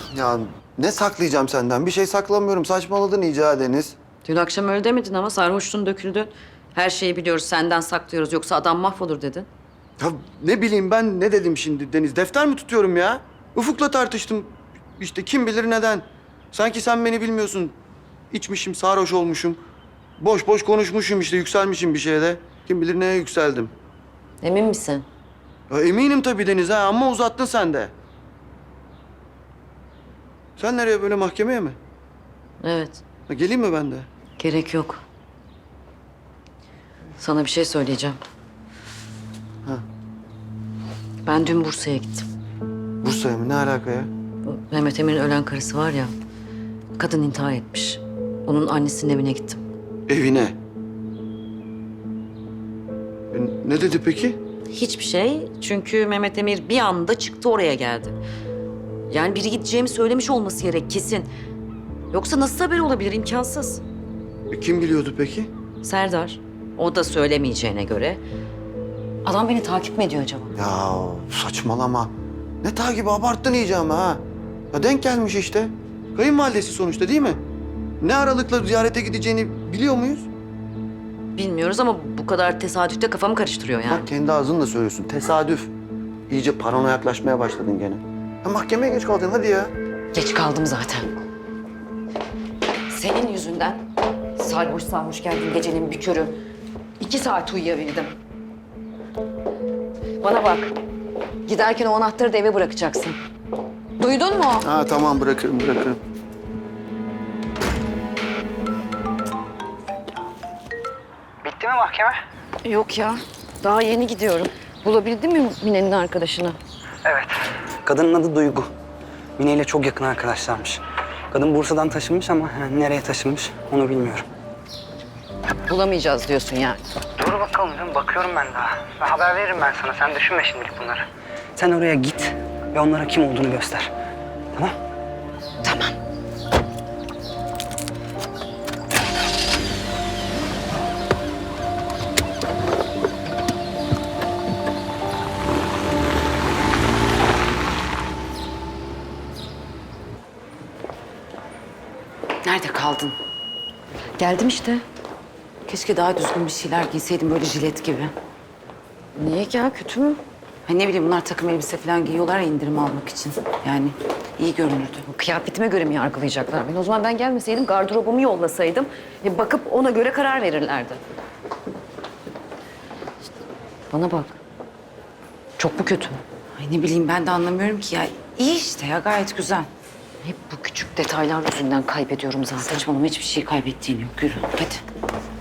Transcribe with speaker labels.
Speaker 1: Ya ne saklayacağım senden? Bir şey saklamıyorum. Saçmaladın iyice ha Deniz.
Speaker 2: Dün akşam öyle demedin ama sarhoştun döküldün. Her şeyi biliyoruz, senden saklıyoruz. Yoksa adam mahvolur dedin.
Speaker 1: Ya ne bileyim ben ne dedim şimdi Deniz? Defter mi tutuyorum ya? Ufuk'la tartıştım. İşte kim bilir neden. Sanki sen beni bilmiyorsun. İçmişim, sarhoş olmuşum. Boş boş konuşmuşum işte, yükselmişim bir şeyde. Kim bilir neye yükseldim.
Speaker 2: Emin misin?
Speaker 1: Ya eminim tabii Deniz ha, ama uzattın sen de. Sen nereye, böyle mahkemeye mi?
Speaker 2: Evet,
Speaker 1: Ha, geleyim mi ben de?
Speaker 2: gerek yok. Sana bir şey söyleyeceğim.
Speaker 1: Ha.
Speaker 2: Ben dün Bursa'ya gittim.
Speaker 1: Bursa'ya mı? Ne alaka ya?
Speaker 2: Bu Mehmet Emir'in ölen karısı var ya, kadın intihar etmiş. Onun annesinin evine gittim.
Speaker 1: Evine. Ne dedi peki?
Speaker 2: Hiçbir şey, çünkü Mehmet Emir bir anda çıktı oraya geldi. Yani biri gideceğimi söylemiş olması gerek kesin. Yoksa nasıl haber olabilir, imkansız.
Speaker 1: Kim biliyordu peki?
Speaker 2: Serdar, o da söylemeyeceğine göre. Adam beni takip mi ediyor acaba?
Speaker 1: Ya saçmalama. Ne takibi, abarttın iyice ama ha. Ya denk gelmiş işte. Kayınvalidesi sonuçta, değil mi? Ne aralıkla ziyarete gideceğini biliyor muyuz?
Speaker 2: Bilmiyoruz ama bu kadar tesadüfte kafamı karıştırıyor yani.
Speaker 1: Bak kendi ağzınla söylüyorsun. Tesadüf. İyice paranoya yaklaşmaya başladın gene. Ya mahkemeye geç kaldın hadi ya.
Speaker 2: Geç kaldım zaten. Senin yüzünden sarhoş sarhoş geldim gecenin bir körü. 2 saat uyuyabildim. Bana bak. Giderken o anahtarı da eve bırakacaksın. Duydun mu?
Speaker 1: Ha tamam, bırakırım.
Speaker 3: Bitti mi mahkeme?
Speaker 2: Yok ya. Daha yeni gidiyorum. Bulabildin mi Mine'nin arkadaşını?
Speaker 3: Evet. Kadının adı Duygu. Mine ile çok yakın arkadaşlarmış. Kadın Bursa'dan taşınmış ama nereye taşınmış onu bilmiyorum.
Speaker 2: Bulamayacağız diyorsun yani.
Speaker 3: Dur bakalım canım, bakıyorum ben daha. Haber veririm ben sana, sen düşünme şimdilik bunları. Sen oraya git ve onlara kim olduğunu göster. Tamam?
Speaker 2: Tamam. Nerede kaldın? Geldim işte. Keşke daha düzgün bir şeyler giyseydim, böyle jilet gibi. Niye ya, kötü mü? Ha ne bileyim, bunlar takım elbise falan giyiyorlar ya indirim almak için. Yani iyi görünürdü. Kıyafetime göre mi yargılayacaklar beni? O zaman ben gelmeseydim, gardırobumu yollasaydım. Bakıp ona göre karar verirlerdi. Bana bak. Çok mu kötü?
Speaker 4: Ay ne bileyim, ben de anlamıyorum ki ya. İyi işte ya, gayet güzel.
Speaker 2: Hep bu küçük detaylar yüzünden kaybediyorum zaten.
Speaker 4: Saçmalama, hiçbir şey kaybettiğin yok. Yürü hadi.